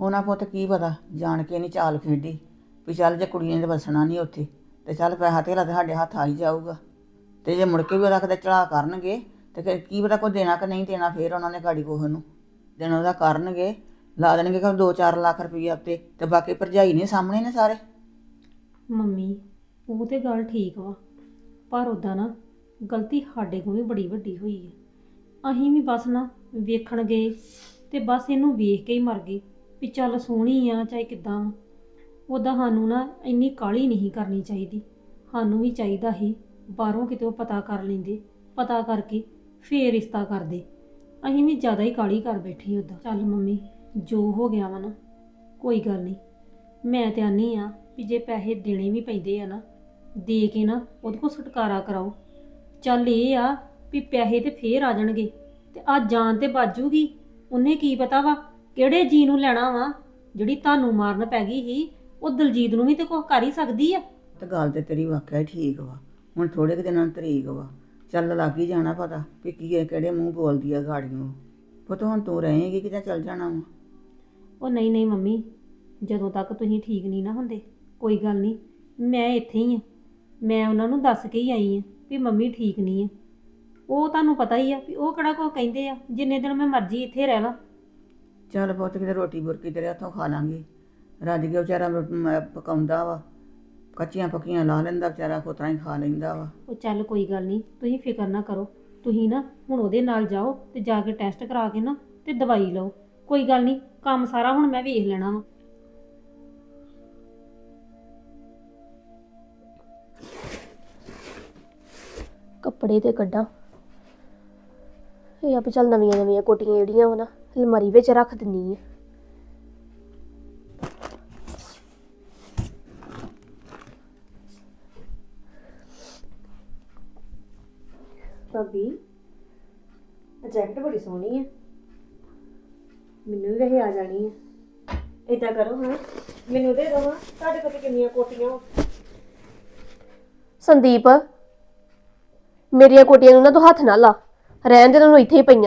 S2: ਉਹਨਾਂ ਪੁੱਤ ਕੀ ਪਤਾ ਜਾਣ ਕੇ ਨਹੀਂ ਚਾਲ ਖੇਡੀ ਵੀ ਚੱਲ ਜੇ ਕੁੜੀਆਂ ਨੇ ਵਸਣਾ ਨਹੀਂ ਉੱਥੇ ਤੇ ਚੱਲ ਪੈਸਾ ਧੇਲਾ ਤੇ ਸਾਡੇ ਹੱਥ ਆ ਹੀ ਜਾਊਗਾ ਤੇ ਜੇ ਮੁੜ ਕੇ ਵੀ ਉਹਦਾ ਕਿਤੇ ਚੜ੍ਹਾ ਕਰਨਗੇ ਤੇ ਫਿਰ ਕੀ ਪਤਾ ਕੋਈ ਦੇਣਾ ਕਿ ਨਹੀਂ ਦੇਣਾ, ਫਿਰ ਉਹਨਾਂ ਨੇ ਗਾੜੀ ਕੋਹ ਨੂੰ ਦੇਣ ਉਹਦਾ ਕਰਨਗੇ, ਲਾ ਦੇਣਗੇ ਕਿ 2-4 ਲੱਖ ਰੁਪਈਆ ਉੱਤੇ ਤੇ ਬਾਕੀ ਭਰਜਾਈ ਨੇ ਸਾਹਮਣੇ ਨੇ ਸਾਰੇ।
S1: ਮੰਮੀ ਉਹ ਤੇ ਗੱਲ ਠੀਕ ਵਾ, ਪਰ ਉਦਾਂ ਨਾ ਗਲਤੀ ਸਾਡੇ ਕੋਲ ਵੀ ਬੜੀ ਵੱਡੀ ਹੋਈ ਹੈ। ਅਸੀਂ ਵੀ ਬਸ ਨਾ ਵੇਖਣ ਗਏ ਤੇ ਬਸ ਇਹਨੂੰ ਵੇਖ ਕੇ ਹੀ ਮਰ ਗਏ ਵੀ ਚੱਲ ਸੋਹਣੀ ਆ ਚਾਹੇ ਕਿੱਦਾਂ ਵਾ। ਉੱਦਾਂ ਸਾਨੂੰ ਨਾ ਇੰਨੀ ਕਾਹਲੀ ਨਹੀਂ ਕਰਨੀ ਚਾਹੀਦੀ, ਸਾਨੂੰ ਵੀ ਚਾਹੀਦਾ ਸੀ ਬਾਹਰੋਂ ਕਿਤੇ ਉਹ ਪਤਾ ਕਰ ਲੈਂਦੇ, ਪਤਾ ਕਰਕੇ ਫੇਰ ਰਿਸ਼ਤਾ ਕਰਦੇ। ਅਸੀਂ ਵੀ ਜ਼ਿਆਦਾ ਹੀ ਕਾਹਲੀ ਕਰ ਬੈਠੇ ਉੱਦਾਂ। ਚੱਲ ਮੰਮੀ ਜੋ ਹੋ ਗਿਆ ਵਾ ਨਾ ਕੋਈ ਗੱਲ ਨਹੀਂ, ਮੈਂ ਤੇ ਆਨੀ ਆ ਵੀ ਜੇ ਪੈਸੇ ਦੇਣੇ ਵੀ ਪੈਂਦੇ ਆ ਨਾ ਦੇ ਕੇ ਨਾ ਉਹਦੇ ਕੋਲ ਛੁਟਕਾਰਾ ਕਰਾਓ। ਚੱਲ ਇਹ ਆ ਵੀ ਪੈਸੇ ਤੇ ਫੇਰ ਆ ਜਾਣਗੇ ਤੇ ਆ ਜਾਨ ਤੇ ਬਾਜੂਗੀ। ਉਹਨੇ ਕੀ ਪਤਾ ਵਾ ਕਿਹੜੇ ਜੀ ਨੂੰ ਲੈਣਾ ਵਾ, ਜਿਹੜੀ ਤੁਹਾਨੂੰ ਮਾਰਨ ਪੈ ਗਈ ਸੀ ਉਹ ਦਲਜੀਤ ਨੂੰ ਵੀ ਤੇ ਕੁਛ ਕਰ ਹੀ ਸਕਦੀ ਆ।
S2: ਤੇ ਗੱਲ ਤੇ ਤੇਰੀ ਵਾਕਿਆ ਹੀ ਠੀਕ ਵਾ, ਹੁਣ ਥੋੜੇ ਕੁ ਦਿਨਾਂ ਨੂੰ ਤਰੀਕ ਵਾ, ਚੱਲ ਲੱਗ ਹੀ ਜਾਣਾ ਪਤਾ ਵੀ ਕੀ ਹੈ, ਕਿਹੜੇ ਮੂੰਹ ਬੋਲਦੀ ਆ ਗਾੜੀਆਂ। ਪੁੱਤ ਹੁਣ ਤੂੰ ਰਹੇਂਗੀ ਕਿਤੇ ਚੱਲ ਜਾਣਾ ਵਾ।
S1: ਉਹ ਨਹੀਂ ਨਹੀਂ ਮੰਮੀ, ਜਦੋਂ ਤੱਕ ਤੁਸੀਂ ਠੀਕ ਨਹੀਂ ਨਾ ਹੁੰਦੇ ਕੋਈ ਗੱਲ ਨਹੀਂ, ਮੈਂ ਇੱਥੇ ਹੀ ਆ। ਮੈਂ ਉਹਨਾਂ ਨੂੰ ਦੱਸ ਕੇ ਹੀ ਆਈ ਆ ਵੀ ਮੰਮੀ ਠੀਕ ਨਹੀਂ ਆ। ਉਹ ਤੁਹਾਨੂੰ ਪਤਾ ਹੀ ਆ ਵੀ ਉਹ ਕਿਹੜਾ ਕੋ ਕਹਿੰਦੇ ਆ, ਜਿੰਨੇ ਦਿਨ ਮੈਂ ਮਰਜ਼ੀ ਇੱਥੇ ਰਹਿ ਲਾਂ।
S2: ਚੱਲ ਪੁੱਤ ਕਿਤੇ ਰੋਟੀ ਬੁਰਕੀ ਤੇਰੇ ਹੱਥੋਂ ਖਾ ਲਾਂਗੇ। ਰੱਜ ਕੇ ਵਿਚਾਰਾ ਪਕਾਉਂਦਾ ਵਾ, ਕੱਚੀਆਂ ਪੱਕੀਆਂ ਲਾ ਲੈਂਦਾ ਵਿਚਾਰਾ, ਕੋਤਰਾ ਹੀ ਖਾ ਲੈਂਦਾ ਵਾ।
S1: ਉਹ ਚੱਲ ਕੋਈ ਗੱਲ ਨਹੀਂ, ਤੁਸੀਂ ਫਿਕਰ ਨਾ ਕਰੋ। ਤੁਸੀਂ ਨਾ ਹੁਣ ਉਹਦੇ ਨਾਲ ਜਾਓ ਤੇ ਜਾ ਕੇ ਟੈਸਟ ਕਰਾ ਕੇ ਨਾ ਤੇ ਦਵਾਈ ਲਓ। ਕੋਈ ਗੱਲ ਨਹੀਂ, ਕੰਮ ਸਾਰਾ ਹੁਣ ਮੈਂ ਵੇਖ ਲੈਣਾ ਵਾ।
S5: ਕੱਪੜੇ ਤੇ ਕੱਢਾਂ, ਇਹ ਆ ਵੀ ਚੱਲ ਨਵੀਆਂ ਨਵੀਆਂ ਕੋਟੀਆਂ ਜਿਹੜੀਆਂ ਵਾ ਨਾ ਅਲਮਾਰੀ ਵਿੱਚ ਰੱਖ ਦਿੰਨੀ ਆ। ਭਾਬੀ ਜੈਕਟ ਬੜੀ ਸੋਹਣੀ ਹੈ, ਮੈਨੂੰ ਵੀ ਵੈਸੇ ਆ ਜਾਣੀ ਹੈ। ਏਦਾਂ ਕਰੋ ਹਾਂ ਮੈਨੂੰ ਦੇ ਦੋ, ਤੁਹਾਡੇ ਕੋਲ ਕਿੰਨੀਆਂ ਕੋਟੀਆਂ। ਸੰਦੀਪ ਮੇਰੀਆਂ ਕੋਟੀਆਂ ਨੂੰ ਨਾ ਤੂੰ ਹੱਥ ਨਾ ਲਾ, ਰਹਿਣ ਦੇ ਤੈਨੂੰ ਇੱਥੇ ਹੀ ਪਈਆਂ।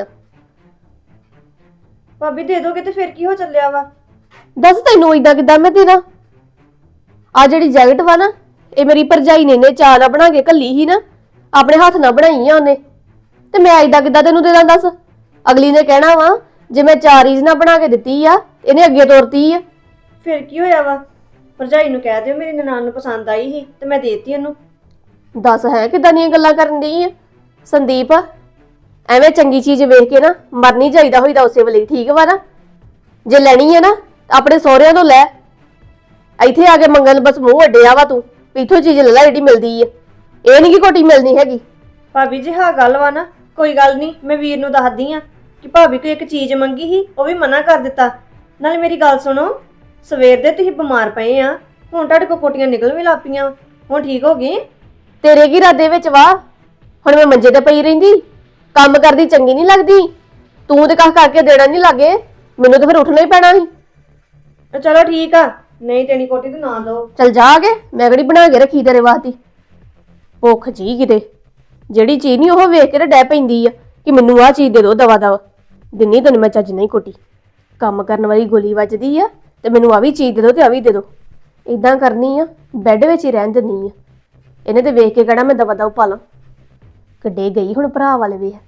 S7: ਭਾਬੀ ਦੇ ਦੋਗੇ ਤੇ ਫਿਰ ਕੀ ਹੋ ਚੱਲਿਆ ਵਾ?
S5: ਦੱਸ ਤੈਨੂੰ ਏਦਾਂ ਕਿੱਦਾਂ ਮੈਂ ਦੇਣਾ? ਆ ਜਿਹੜੀ ਜੈਕਟ ਵਾ ਨਾ ਇਹ ਮੇਰੀ ਭਰਜਾਈ ਨੇ ਚਾਹ ਨਾਲ ਬਣਾ ਕੇ ਘੱਲੀ ਸੀ ਨਾ, ਆਪਣੇ ਹੱਥ ਨਾਲ ਬਣਾਈ ਆ ਉਹਨੇ, ਤੇ ਮੈਂ ਏਦਾਂ ਕਿੱਦਾਂ ਤੈਨੂੰ ਦੇ ਦਾਂ ਦੱਸ? ਅਗਲੀ ਨੇ ਕਹਿਣਾ ਵਾ ਜੇ ਮੈਂ ਚਾਰੀਜ਼ ਨਾਲ ਬਣਾ ਕੇ ਦਿੱਤੀ ਆ ਇਹਨੇ ਅੱਗੇ ਤੋਰਤੀ ਆ।
S7: ਫਿਰ ਕੀ ਹੋਇਆ ਵਾ? ਭਰਜਾਈ ਨੂੰ ਕਹਿ ਦਿਓ ਮੇਰੀ ਨਨਾਣ ਨੂੰ ਪਸੰਦ ਆਈ ਸੀ ਤੇ ਮੈਂ ਦੇਤੀ ਉਹਨੂੰ।
S5: ਦੱਸ ਹੈ ਕਿੱਦਾਂ ਦੀਆਂ ਗੱਲਾਂ ਕਰਨ ਦੀ ਆ ਸੰਦੀਪ? ਐਵੇਂ ਚੰਗੀ ਚੀਜ਼ ਵੇਖ ਕੇ ਨਾ ਮਰਨੀ ਚਾਹੀਦਾ ਹੋਈਦਾ ਉਸੇ ਵੇਲੇ, ਠੀਕ ਵਾ ਨਾ? ਜੇ ਲੈਣੀ ਹੈ ਨਾ ਆਪਣੇ ਸਹੁਰਿਆਂ ਤੋਂ ਲੈ, ਇੱਥੇ ਆ ਕੇ ਮੰਗਣ ਬਸ ਮੂੰਹ ਅੱਡਿਆ ਵਾ ਤੂੰ, ਇੱਥੋਂ ਚੀਜ਼ ਲੈ ਲੈ ਜਿਹੜੀ ਮਿਲਦੀ ਆ। ਇਹ ਨਹੀਂ ਕਿ ਕੋਟੀ ਮਿਲਣੀ ਹੈਗੀ।
S7: ਭਾਬੀ ਜੀ ਹਾਂ ਗੱਲ ਵਾ ਨਾ, ਕੋਈ ਗੱਲ ਨਹੀਂ, ਮੈਂ ਵੀਰ ਨੂੰ ਦੱਸਦੀ ਆ ਕਿ ਭਾਬੀ ਕੋਈ ਇੱਕ ਚੀਜ਼ ਮੰਗੀ ਸੀ ਉਹ ਵੀ ਮਨਾ ਕਰ ਦਿੱਤਾ। ਨਾਲੇ ਮੇਰੀ ਗੱਲ ਸੁਣੋ, ਸਵੇਰ ਦੇ ਤੁਸੀਂ ਬਿਮਾਰ ਪਏ ਆ, ਹੁਣ ਤੁਹਾਡੇ ਕੋਲ ਕੋਟੀਆਂ ਨਿਕਲ ਵੀ ਲੱਗ ਪਈਆਂ, ਹੁਣ ਠੀਕ ਹੋ ਗਏ?
S5: ਤੇਰੇ ਕੀ ਇਰਾਦੇ ਵਿੱਚ ਵਾ? ਹੁਣ ਮੈਂ ਮੰਜੇ ਤੇ ਪਈ ਰਹਿੰਦੀ, ਕੰਮ ਕਰਦੀ ਚੰਗੀ ਨਹੀਂ ਲੱਗਦੀ? ਤੂੰ ਤੇ ਕਹ ਕਰਕੇ ਦੇਣਾ ਨਹੀਂ ਲੱਗੇ, ਮੈਨੂੰ ਤਾਂ ਫਿਰ ਉੱਠਣਾ ਹੀ ਪੈਣਾ ਸੀ।
S7: ਚਲੋ ਠੀਕ ਆ, ਨਹੀਂ ਦੇਣੀ ਕੋਟੀ ਤੇ ਨਾ ਦੋ।
S5: ਚਲ ਜਾ ਕੇ, ਮੈਂ ਕਿਹੜੀ ਬਣਾ ਕੇ ਰੱਖੀ ਤੇਰੇ ਵਾਸਤੇ? ਭੁੱਖ ਜੀ ਕਿਤੇ, ਜਿਹੜੀ ਚੀਜ਼ ਨਹੀਂ ਉਹ ਵੇਖ ਕੇ ਤੇ ਡੈ ਪੈਂਦੀ ਆ ਕਿ ਮੈਨੂੰ ਆਹ ਚੀਜ਼ ਦੇ ਦੋ ਦਵਾ ਦਵਾ। ਦਿੰਨੀ ਤੈਨੂੰ ਮੈਂ ਚੱਜ ਨਹੀਂ ਕੋਟੀ, ਕੰਮ ਕਰਨ ਵਾਲੀ ਗੋਲੀ ਵੱਜਦੀ ਆ ਤੇ ਮੈਨੂੰ ਆ ਵੀ ਚੀਜ਼ ਦੇ ਦੋ ਤੇ ਆ ਵੀ ਦੇ ਦੋ। ਇਦਾਂ ਕਰਨੀ ਆ, ਬੈੱਡ ਵਿੱਚ ਹੀ ਰਹਿਣ ਦਿੰਨੀ ਆ। ਇਹਨੇ ਤੇ ਵੇਖ ਕੇ ਕਹਿਣਾ ਮੈਂ ਦਵਾ ਦਵ ਪਾ ਲਾਂ। ਕਿੱਡੇ ਗਈ ਹੁਣ ਭਰਾ ਵਾਲੇ ਵੇਖ,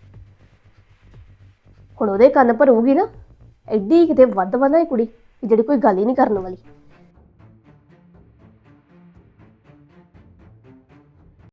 S5: ਹੁਣ ਉਹਦੇ ਕੰਨ ਭਰੂਗੀ ਨਾ। ਐਡੀ ਕਿਤੇ ਵੱਧ ਵਾ ਨਾ ਇਹ ਕੁੜੀ ਜਿਹੜੀ ਕੋਈ ਗੱਲ ਹੀ ਨਹੀਂ ਕਰਨ ਵਾਲੀ।